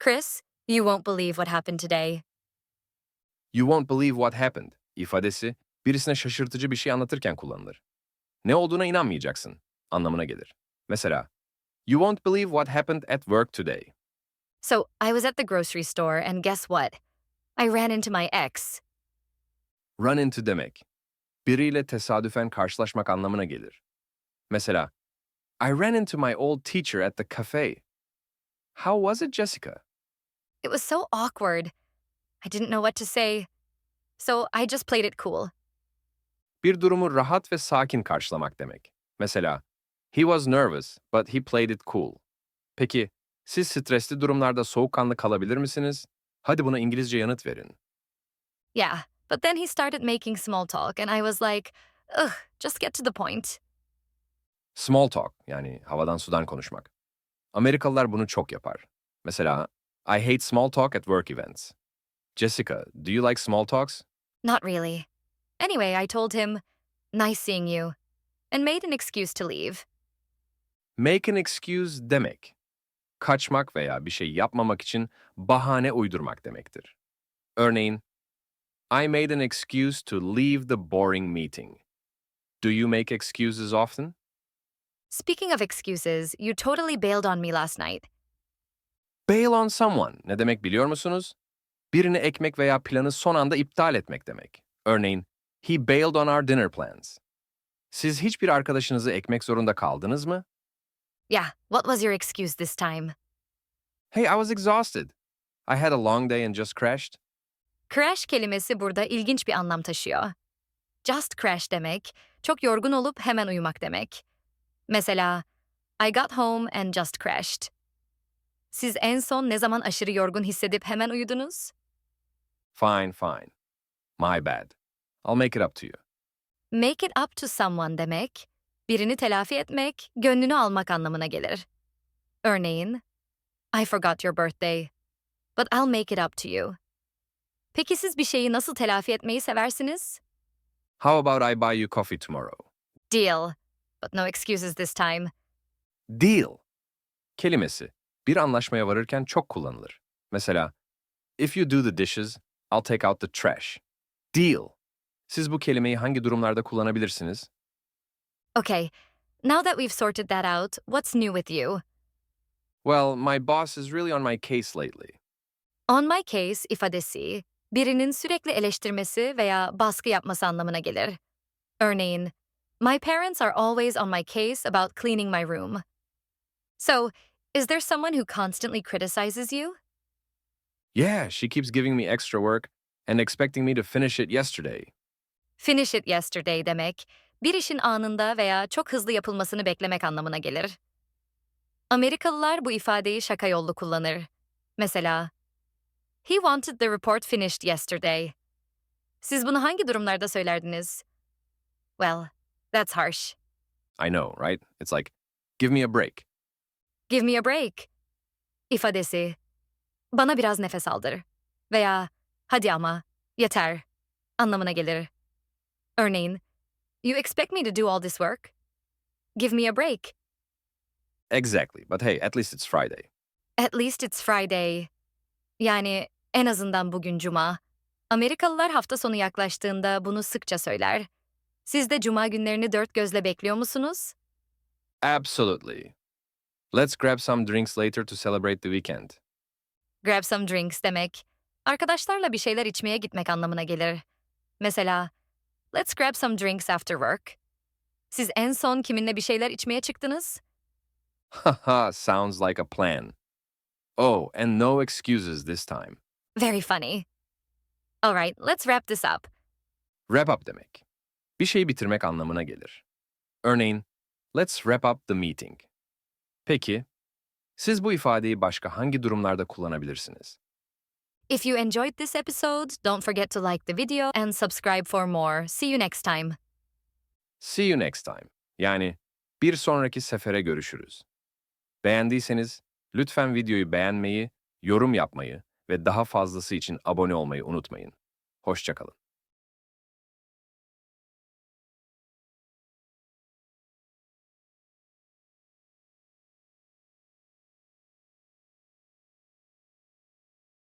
Chris, you won't believe what happened today. You won't believe what happened ifadesi birisine şaşırtıcı bir şey anlatırken kullanılır. Ne olduğuna inanmayacaksın anlamına gelir. Mesela, You won't believe what happened at work today. So, I was at the grocery store, and guess what? I ran into my ex. Run into demek, biriyle tesadüfen karşılaşmak anlamına gelir. Mesela, I ran into my old teacher at the cafe. How was it, Jessica? It was so awkward. I didn't know what to say. So, I just played it cool. Bir durumu rahat ve sakin karşılamak demek. Mesela, He was nervous, but he played it cool. Peki, siz stresli durumlarda soğukkanlı kalabilir misiniz? Hadi buna İngilizce yanıt verin. Yeah, but then he started making small talk, and I was like, ugh, just get to the point. Small talk, yani havadan sudan konuşmak. Amerikalılar bunu çok yapar. Mesela, I hate small talk at work events. Jessica, do you like small talks? Not really. Anyway, I told him, nice seeing you, and made an excuse to leave. Make an excuse demek, kaçmak veya bir şey yapmamak için bahane uydurmak demektir. Örneğin, I made an excuse to leave the boring meeting. Do you make excuses often? Speaking of excuses, you totally bailed on me last night. Bail on someone ne demek biliyor musunuz? Birini ekmek veya planı son anda iptal etmek demek. Örneğin, he bailed on our dinner plans. Siz hiçbir arkadaşınızı ekmek zorunda kaldınız mı? Yeah, what was your excuse this time? Hey, I was exhausted. I had a long day and just crashed. Crash kelimesi burada ilginç bir anlam taşıyor. Just crash demek, çok yorgun olup hemen uyumak demek. Mesela, I got home and just crashed. Siz en son ne zaman aşırı yorgun hissedip hemen uyudunuz? Fine, fine. My bad. I'll make it up to you. Make it up to someone demek, birini telafi etmek, gönlünü almak anlamına gelir. Örneğin, I forgot your birthday, but I'll make it up to you. Peki siz bir şeyi nasıl telafi etmeyi seversiniz? How about I buy you coffee tomorrow? Deal, but no excuses this time. Deal kelimesi bir anlaşmaya varırken çok kullanılır. Mesela, if you do the dishes, I'll take out the trash. Deal. Siz bu kelimeyi hangi durumlarda kullanabilirsiniz? Okay, now that we've sorted that out, what's new with you? Well, my boss is really on my case lately. On my case ifadesi, birinin sürekli eleştirmesi veya baskı yapması anlamına gelir. Örneğin, my parents are always on my case about cleaning my room. So, is there someone who constantly criticizes you? Yeah, she keeps giving me extra work and expecting me to finish it yesterday. Finish it yesterday demek, bir işin anında veya çok hızlı yapılmasını beklemek anlamına gelir. Amerikalılar bu ifadeyi şaka yollu kullanır. Mesela, he wanted the report finished yesterday. Siz bunu hangi durumlarda söylerdiniz? Well, that's harsh. I know, right? It's like, give me a break. Give me a break. İfadesi, bana biraz nefes aldır veya hadi ama, yeter anlamına gelir. Örneğin, you expect me to do all this work? Give me a break. Exactly, but hey, at least it's Friday. At least it's Friday. Yani en azından bugün Cuma. Amerikalılar hafta sonu yaklaştığında bunu sıkça söyler. Siz de Cuma günlerini dört gözle bekliyor musunuz? Absolutely. Let's grab some drinks later to celebrate the weekend. Grab some drinks demek, arkadaşlarla bir şeyler içmeye gitmek anlamına gelir. Mesela, let's grab some drinks after work. Siz en son kiminle bir şeyler içmeye çıktınız? Haha, sounds like a plan. Oh, and no excuses this time. Very funny. All right, let's wrap this up. Wrap up demek. Bir şeyi bitirmek anlamına gelir. Örneğin, let's wrap up the meeting. Peki, siz bu ifadeyi başka hangi durumlarda kullanabilirsiniz? If you enjoyed this episode, don't forget to like the video and subscribe for more. See you next time. See you next time. Yani bir sonraki sefere görüşürüz. Beğendiyseniz lütfen videoyu beğenmeyi, yorum yapmayı ve daha fazlası için abone olmayı unutmayın. Hoşça kalın.